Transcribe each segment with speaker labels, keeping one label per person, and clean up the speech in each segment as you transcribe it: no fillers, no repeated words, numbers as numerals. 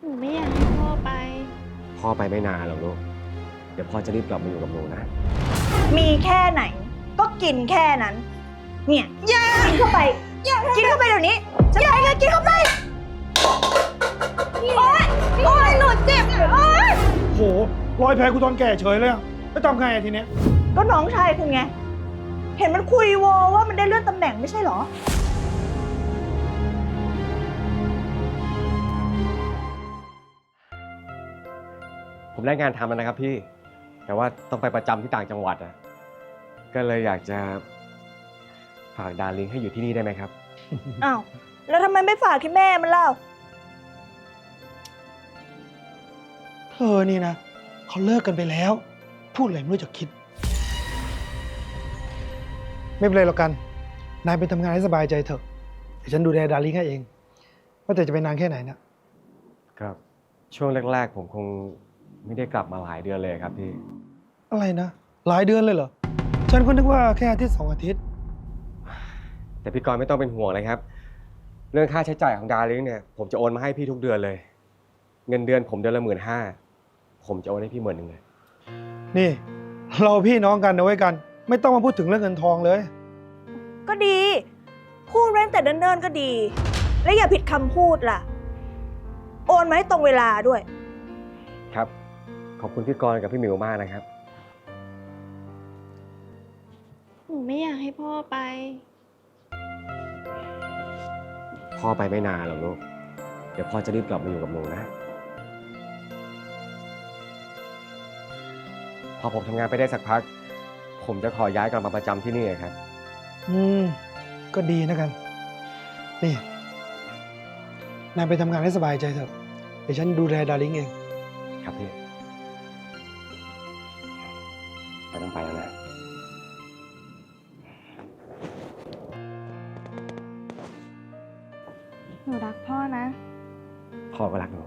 Speaker 1: หนูไม่อยากให้พ่อไป
Speaker 2: พ่อไปไม่นานหรอกลูกเดี๋ยวพ่อจะรีบกลับมาอยู่กับหนูนะ
Speaker 3: มีแค่ไหนก็กินแค่นั้น เนี่ยกินเข้าไปกินเข้าไปเดี๋ยวนี้จะไปเลยกินเข้าไปโอ๊ยโอ๊ยหนูเจ็บโอ๊ย
Speaker 4: โหรอยแผลกูตอนแก่เฉยเลยอะแล้วทำไงอะทีเนี้ย
Speaker 3: ก็น้องชายคุณไง เห็นมันคุยโวว่ามันได้เลื่อนตำแหน่งไม่ใช่เหรอ
Speaker 2: ผมได้งานทำแล้วนะครับพี่แต่ว่าต้องไปประจำที่ต่างจังหวัดอะก็เลยอยากจะฝากดาริงให้อยู่ที่นี่ได้ไหมครับ
Speaker 3: อ้าว แล้วทำไมไม่ฝากที่แม่มันเล่า
Speaker 4: เธอนี่นะเขาเลิกกันไปแล้ว พูดอะไรไม่รู้จักคิด ไม่เป็นไรหรอกกัน นายไปทำงานให้สบายใจเถอะเดี๋ยวฉันดูแลดาริ่งให้เองว่าแต่จะไปนานแค่ไหนเนี่ย
Speaker 2: ครับช่วงแรกๆผมคงไม่ได้กลับมาหลายเดือนเลยครับพี่
Speaker 4: อะไรนะ หลายเดือนเลยเหรอ ฉันก็นึกว่าแค่อาทิตย์2 อาทิตย์
Speaker 2: แต่พี่กรณ์ไม่ต้องเป็นห่วงเลยครับ เรื่องค่าใช้จ่ายของดาริงเนี่ยผมจะโอนมาให้พี่ทุกเดือนเลย เงินเดือนผมเดือนละ15,000ผมจะโอนให้พี่10,000เลย
Speaker 4: นี่ เราพี่น้องกันนะไว้ยกัน ไม่ต้องมาพูดถึงเรื่องเงินทองเลย
Speaker 3: ก็ดี พูดเว้นแต่เดินๆก็ดี และอย่าผิดคำพูดล่ะ โอนมาให้ตรงเวลาด้วย
Speaker 2: ครับ ขอบคุณพี่กรณ์กับพี่หมิวมากนะครับ
Speaker 1: หนูไม่อยากให้พ่อไป
Speaker 2: พ่อไปไม่นานหรอกลูกเดี๋ยวพ่อจะรีบกลับมาอยู่กับหนูนะพอผมทำงานไปได้สักพัก ผมจะขอย้ายกลับมาประจำที่นี่ครับ
Speaker 4: ก็ดีนะกัน นี่ นายไปทำงานให้สบายใจเถอะเดี๋ยวฉันดูแลดาริ่งเอง
Speaker 2: ครับพี่ไปต้องไปแล้วนะ
Speaker 1: หนูรักพ่อนะ
Speaker 2: พ่อก็รักหนู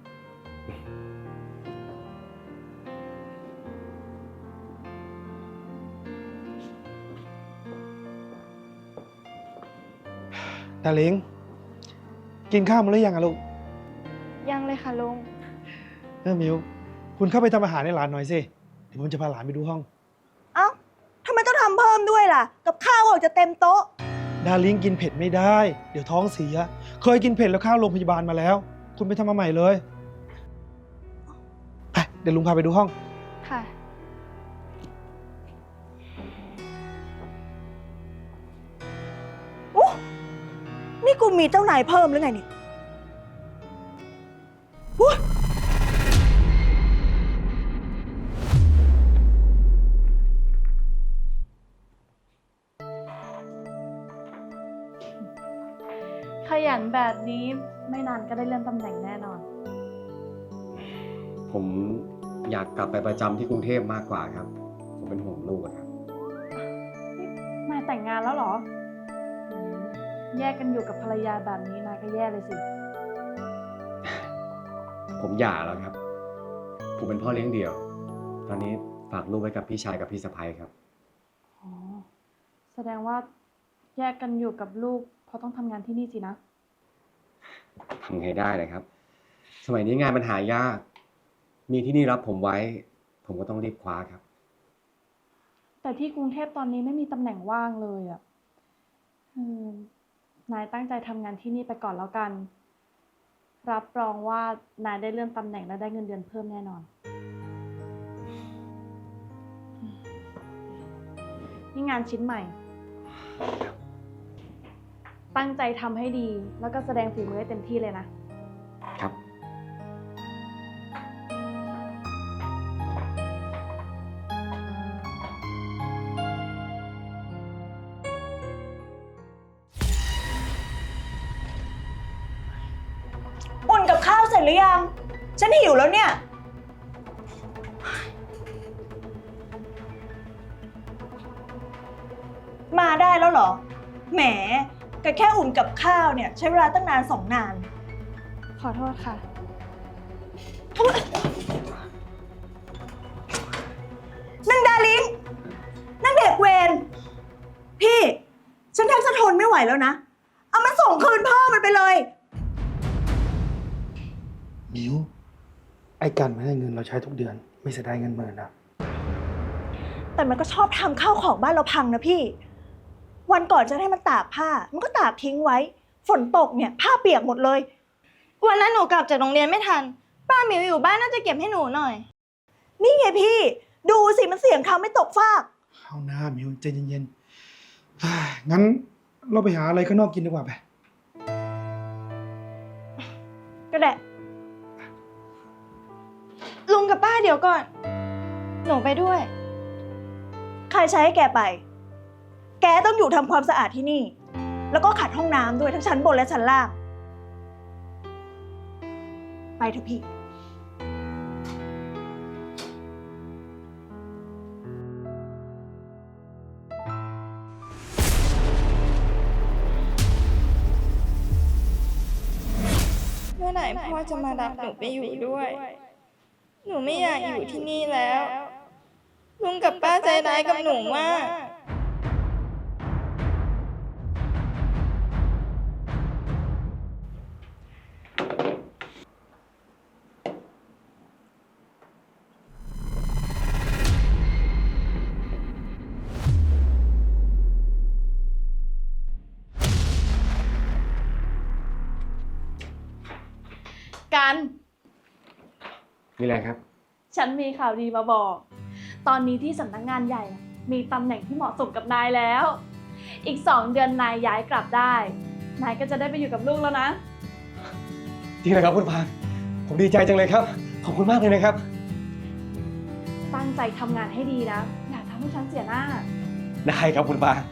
Speaker 4: ดาริ่งกินข้าวมาหรือยังอะลูก
Speaker 1: ยังเลยค่ะลุง
Speaker 4: มิวคุณเข้าไปทำอาหารให้หลานหน่อยสิเดี๋ยวผมจะพาหลานไปดูห้อง
Speaker 3: เอ้าทำไมต้องทำเพิ่มด้วยล่ะ กับข้าวออกจะเต็มโต๊ะ
Speaker 4: ดาริ่งกินเผ็ดไม่ได้ เดี๋ยวท้องเสีย เคยกินเผ็ดแล้วเข้าโรงพยาบาลมาแล้ว คุณไปทำมาใหม่เลยไปเดี๋ยวลุงพาไปดูห้อง
Speaker 1: ค่ะ
Speaker 3: โอ้นี่กูมีเจ้านายเพิ่มหรือไงเนี่ยอุ๊ย
Speaker 5: ขยันแบบนี้ไม่นานก็ได้เลื่อนตำแหน่งแน่นอน
Speaker 2: ผมอยากกลับไปประจำที่กรุงเทพมากกว่าครับ ผมเป็นห่วงลูกอะครับ
Speaker 5: นายแต่งงานแล้วเหรออืมแยกกันอยู่กับภรรยาแบบนี้นายก็แย่เลยสิ
Speaker 2: ผมหย่าแล้วครับ ผมเป็นพ่อเลี้ยงเดี่ยว ตอนนี้ฝากลูกไว้กับพี่ชายกับพี่สะใภ้ครับ
Speaker 5: อ๋อ แสดงว่าแยกกันอยู่กับลูกเพราะต้องทำงานที่นี่สินะ
Speaker 2: ทำไงได้เลยครับ สมัยนี้งานมันหายาก มีที่นี่รับผมไว้ ผมก็ต้องรีบคว้าครับ
Speaker 5: แต่ที่กรุงเทพตอนนี้ไม่มีตำแหน่งว่างเลยอ่ะนายตั้งใจทำงานที่นี่ไปก่อนแล้วกัน รับรองว่านายได้เลื่อนตำแหน่งและได้เงินเดือนเพิ่มแน่นอน นี่งานชิ้นใหม่ ตั้งใจทำให้ดี แล้วก็แสดงฝีมือให้เต็มที่เลยนะ
Speaker 2: ครับ
Speaker 3: อุ่นกับข้าวเสร็จหรือยัง ฉันหิวแล้วเนี่ย มาได้แล้วเหรอ แหมก็แค่อุ่นกับข้าวเนี่ย ใช้เวลาตั้งนาน2 นาน
Speaker 5: ขอโทษค่ะ
Speaker 3: นั่งดาลิงนั่งเด็กเวรพี่ ฉันแทบจะทนไม่ไหวแล้วนะ เอามันส่งคืนพ่อมันไปเลย
Speaker 4: มิวไอ้กันมันให้เงินเราใช้ทุกเดือน ไม่เสียดายเงินหมื่นนะ
Speaker 3: แต่มันก็ชอบทำข้าวของบ้านเราพังนะพี่ วันก่อนจะให้มันตากผ้า มันก็ตากทิ้งไว้ ฝนตกเนี่ยผ้าเปียกหมดเลย
Speaker 1: วันนั้นหนูกลับจากโรงเรียนไม่ทัน ป้าหมิวอยู่บ้านน่าจะเก็บให้หนูหน่อย
Speaker 3: นี่ไงพี่ ดูสิมันเสียงคำไม่ตกฟาก
Speaker 4: เอาหน้ามิวใจเย็นๆเฮ้ยงั้นเราไปหาอะไรข้างนอกกินดีกว่าไป
Speaker 3: ก็ได้
Speaker 1: ลุงกับป้าเดี๋ยวก่อน หนูไปด้วย
Speaker 3: ใครใช้ให้แกไป แกต้องอยู่ทำความสะอาดที่นี่ แล้วก็ขัดห้องน้ำด้วยทั้งชั้นบนและชั้นล่าง ไปเถอะพี่
Speaker 1: เมื่อไหร่พ่อจะมารับหนูไปอยู่ด้วย หนูไม่อยากอยู่ที่นี่แล้ว ลุงกับป้าใจร้ายกับหนูมาก
Speaker 5: กัน
Speaker 2: นี่แหละครับ
Speaker 5: ฉันมีข่าวดีมาบอก ตอนนี้ที่สำนักงานใหญ่น่ะมีตำแหน่งที่เหมาะสมกับนายแล้ว อีก 2 เดือนนายย้ายกลับได้ นายก็จะได้ไปอยู่กับลูกแล้วนะ
Speaker 2: จริงเหรอครับคุณพานผมดีใจจังเลยครับ ขอบคุณมากเลยนะครับ
Speaker 5: ตั้งใจทำงานให้ดีนะ อย่าทำให้ฉันเสียหน้า
Speaker 2: ได้ครับคุณปา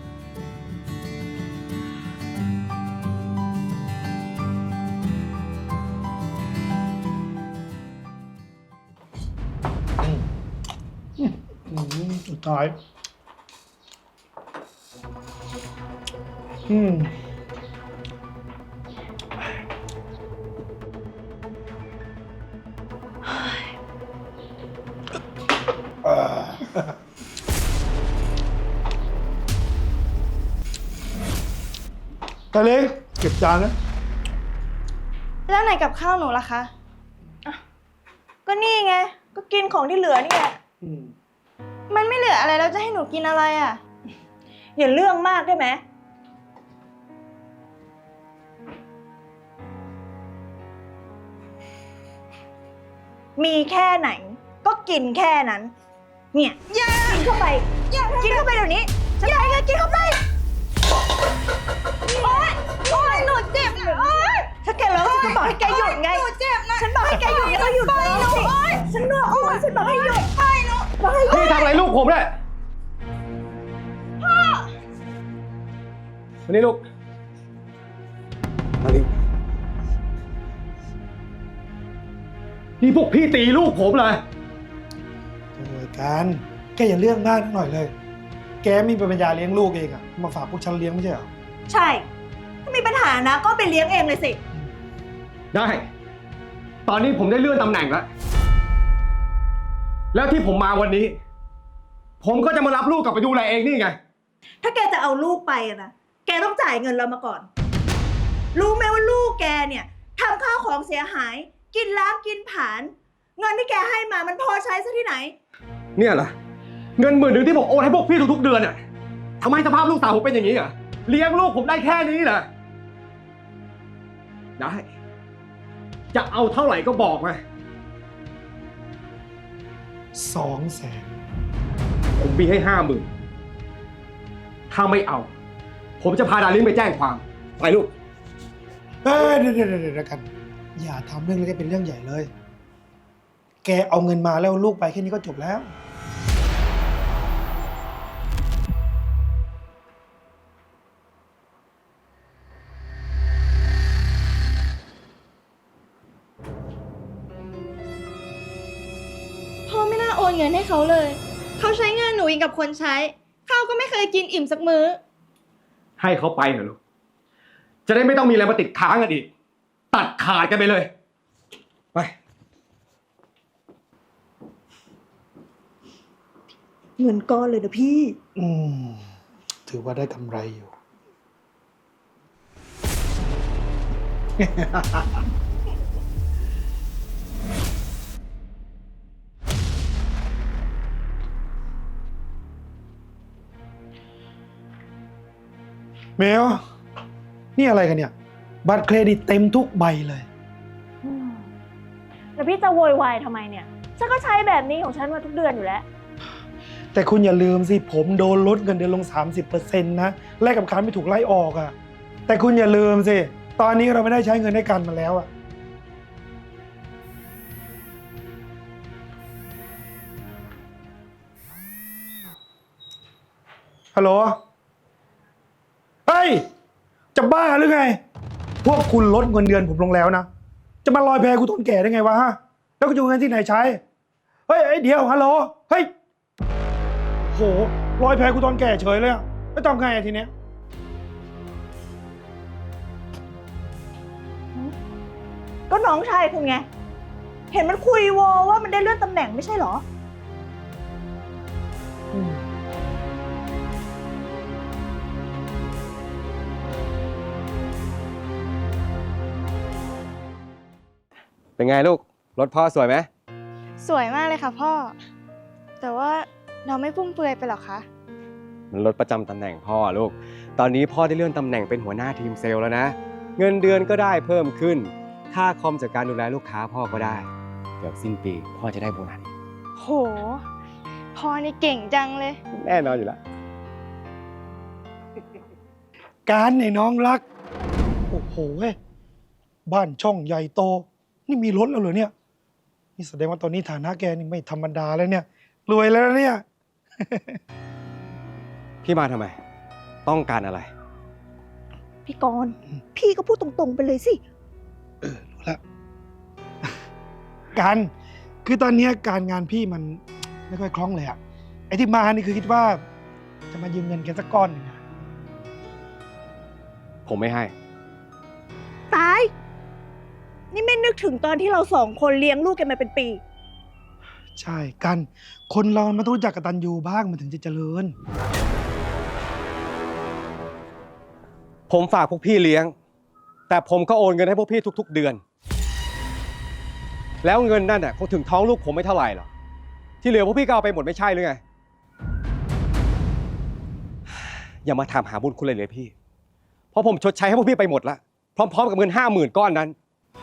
Speaker 4: สุดท้ายตาเล็กเก็บจานนะ
Speaker 1: แล้วไหนกับข้าวหนูล่ะคะ
Speaker 3: ก็นี่ไง ก็กินของที่เหลือนี่แหละ
Speaker 1: มันไม่เหลืออะไรแล้วจะให้หนูกินอะไรอ่ะ
Speaker 3: อย่าเรื่องมากได้ไหม มีแค่ไหน ก็กินแค่นั้น เนี่ยกินเข้าไป กินเข้าไปเดี๋ยวนี้ ฉันให้แกกินเข้าไป โอ๊ย โอ๊ย หนูเจ็บนะโอ๊ย ถ้าแกร้องฉันจะบอกให้แกหยุดไง หนูเจ็บนะ ฉันบอกให้แกหยุดก็หยุดไปหนูฉันบอกว่าฉันบอกให้หยุดไปหนูบอกให้หยุด
Speaker 2: พี่ทำอะไรลูกผมเนี่ยพ่อวันนี้ลูกมาดินี่พวกพี่ตีลูกผมเลย
Speaker 4: โอ้ยกันแกอย่าเรื่องมากหน่อยเลย แกไม่มีปัญญาเลี้ยงลูกเองอะมาฝากพวกฉันเลี้ยงไม่ใช่เหรอ
Speaker 3: ใช่ ถ้ามีปัญหานะก็ไปเลี้ยงเองเลยสิ
Speaker 2: ได้ ตอนนี้ผมได้เลื่อนตำแหน่งแล้ว แล้วที่ผมมาวันนี้ ผมก็จะมารับลูกกลับไปดูแลเองนี่ไง
Speaker 3: ถ้าแกจะเอาลูกไปอะนะ แกต้องจ่ายเงินเรามาก่อน รู้ไหมว่าลูกแกเนี่ยทำข้าวของเสียหาย กินล้างกินผลาญเงินที่แกให้มามันพอใช้ซะที่ไหน
Speaker 2: เนี่ยเหรอเงิน10,000ที่ผมโอนให้พวกพี่ทุกๆเดือนอะทำไมสภาพลูกสาวผมเป็นอย่างนี้อ่ะเลี้ยงลูกผมได้แค่นี้เหรอได้ จะเอาเท่าไหร่ก็บอกมา
Speaker 4: 200,000
Speaker 2: ผมมีให้50,000ถ้าไม่เอา ผมจะพาดารินไปแจ้งความไปลูก
Speaker 4: เดี๋ยวกัน อย่าทำเรื่องเล็กให้เป็นเรื่องใหญ่เลย แกเอาเงินมาแล้วลูกไปแค่นี้ก็จบแล้ว
Speaker 1: พ่อไม่น่าโอนเงินให้เขาเลย เขาใช้เงินหนูอีกกับคนใช้ ข้าวก็ไม่เคยกินอิ่มสักมื้อ
Speaker 2: ให้เขาไปเหรอลูก จะได้ไม่ต้องมีอะไรมาติดค้างกันอีก ตัดขาดกันไปเลย ไป
Speaker 3: เงินก้อนเลยนะพี่
Speaker 4: ถือว่าได้กำไรอยู่เมลนี่อะไรกันเนี่ย บัตรเครดิตเต็มทุกใบเลย
Speaker 5: แล้วพี่จะโวยวายทำไมเนี่ย ฉันก็ใช้แบบนี้ของฉันมาทุกเดือนอยู่แล้ว
Speaker 4: แต่คุณอย่าลืมสิ ผมโดนลดเงินเดือนลง 30%นะแลกกับการไม่ถูกไล่ออกอะแต่คุณอย่าลืมสิ ตอนนี้เราไม่ได้ใช้เงินให้กันมาแล้วอะฮัลโหล เฮ้ย จะบ้าหรือไง พวกคุณลดเงินเดือนผมลงแล้วนะ จะมาลอยแพกูต้นแก่ได้ไงวะฮะ แล้วก็จะเอาเงินที่ไหนใช้ เฮ้ยเดี๋ยว ฮัลโหล เฮ้ย โหลอยแพกูตอนแก่เฉยเลยอะไม่ต้องไงอะทีเนี้ย
Speaker 3: ก็น้องชายคุณไง เห็นมันคุยโวว่ามันได้เลื่อนตำแหน่งไม่ใช่เหรอ
Speaker 2: เป็นไงลูก รถพ่อสวยไหม
Speaker 1: สวยมากเลยค่ะพ่อ แต่ว่าเราไม่ฟุ่มเฟือยไปหรอคะ
Speaker 2: มันรถประจำตำแหน่งพ่อลูก ตอนนี้พ่อได้เลื่อนตำแหน่งเป็นหัวหน้าทีมเซลล์แล้วนะ เงินเดือนก็ได้เพิ่มขึ้น ค่าคอมจากการดูแลลูกค้าพ่อก็ได้ เดี๋ยวสิ้นปีพ่อจะได้โบนัส
Speaker 1: โห พ่อนี่เก่งจังเลย
Speaker 2: แน่นอนอยู่แล้ว
Speaker 4: การไอ้น้องรัก โอ้โหเว้ยบ้านช่องใหญ่โต นี่มีรถแล้วเหรอเนี่ย นี่แสดงว่าตอนนี้ฐานะแกนี่ไม่ธรรมดาแล้วเนี่ย รวยแล้วเนี่ย
Speaker 2: พี่มาทำไม ต้องการอะไร
Speaker 3: พี่กรณ์พี่ก็พูดตรงๆไปเลยสิ
Speaker 4: รู้แล้ว การคือตอนเนี้ยการงานพี่มันไม่ค่อยคล่องเลยอะไอ้ที่มานี่คือคิดว่า จะมายืมเงินแกสักก้อนหนึ่งอะ
Speaker 2: ผมไม่ให้
Speaker 3: ตาย นี่ไม่นึกถึงตอนที่เราสองคนเลี้ยงลูกกันมาเป็นปี
Speaker 4: ใช่กัน คนเรามันต้องรู้จักกตัญญูบ้างมันถึงจะเจริญ
Speaker 2: ผมฝากพวกพี่เลี้ยง แต่ผมก็โอนเงินให้พวกพี่ทุกๆเดือน แล้วเงินนั่นน่ะคงถึงท้องลูกผมไม่เท่าไหร่หรอก ที่เหลือพวกพี่ก็เอาไปหมดไม่ใช่หรือไง อย่ามาถามหาบุญคุณเลยพี่ เพราะผมชดใช้ให้พวกพี่ไปหมดละพร้อมๆกับเงิน50,000ก้อนนั้น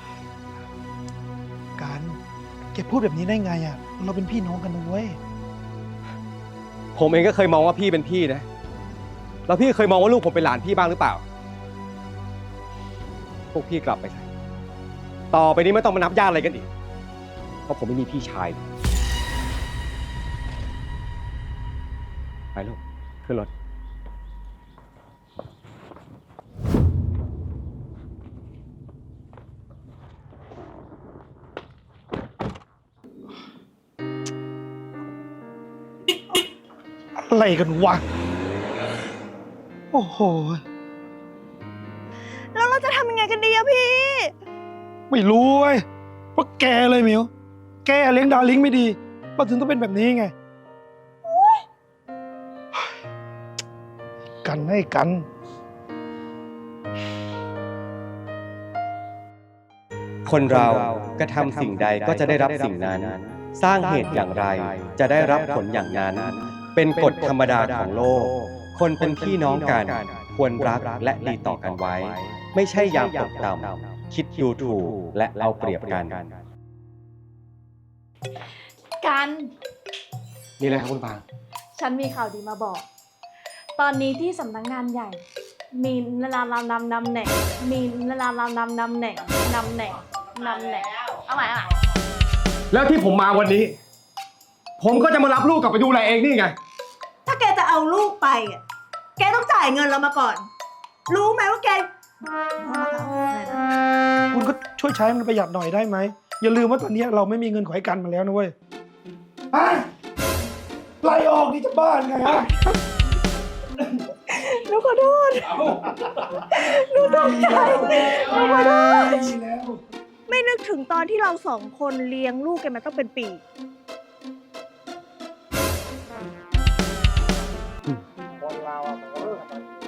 Speaker 4: การแกพูดแบบนี้ได้ไงอะเราเป็นพี่น้องกันนะเว้ย
Speaker 2: ผมเองก็เคยมองว่าพี่เป็นพี่นะ แล้วพี่เคยมองว่าลูกผมเป็นหลานพี่บ้างหรือเปล่า พวกพี่กลับไปเถอะต่อไปนี้ไม่ต้องมานับญาติอะไรกันอีก เพราะผมไม่มีพี่ชาย ไปลูก ขึ้นรถ
Speaker 4: อะไรกันวะ โอ้โห
Speaker 3: แล้วเราจะทำยังไงกันดีอะพี่
Speaker 4: ไม่รู้เว้ยเพราะแกเลยมิว แกเลี้ยงดาริ่งไม่ดีก็ถึงต้องเป็นแบบนี้ไง กันให้กัน
Speaker 2: คนเรากระทำสิ่งใดก็จะได้รับสิ่งนั้น สร้างเหตุอย่างไร จะได้รับผลอย่างนั้น เป็นกฎธรรมดาของโลก คนเป็นพี่น้องกัน ควรรักและดีต่อกันไว้ ไม่ใช่ยามตกต่ำคิดดูถูกและเอาเปรียบกัน
Speaker 5: กัน
Speaker 2: นี่เลยครับคุณปาง
Speaker 5: ฉันมีข่าวดีมาบอก ตอนนี้ที่สำนักงานใหญ่ มีนำแหน่ง มีนำแหน่ง เอาใหม่
Speaker 2: แล้วที่ผมมาวันนี้ ผมก็จะมารับลูกกลับไปดูแลเองนี่ไง
Speaker 3: ถ้าแกจะเอาลูกไปอะแกต้องจ่ายเงินเรามาก่อน รู้ไหมว่าแก
Speaker 4: คุณก็ช่วยใช้มันประหยัดหน่อยได้ไหม อย่าลืมว่าตอนนี้เราไม่มีเงินขอให้กันมาแล้วนะเว้ยไล่ออกนี่จะบ้านไงฮะ
Speaker 3: หนูขอโทษหนูตกใจหนูขอโทษ
Speaker 4: แล้ว
Speaker 3: ไม่นึกถึงตอนที่เราสองคนเลี้ยงลูกกันมาต้องเป็นปี
Speaker 4: คนเราอ่ะมันก็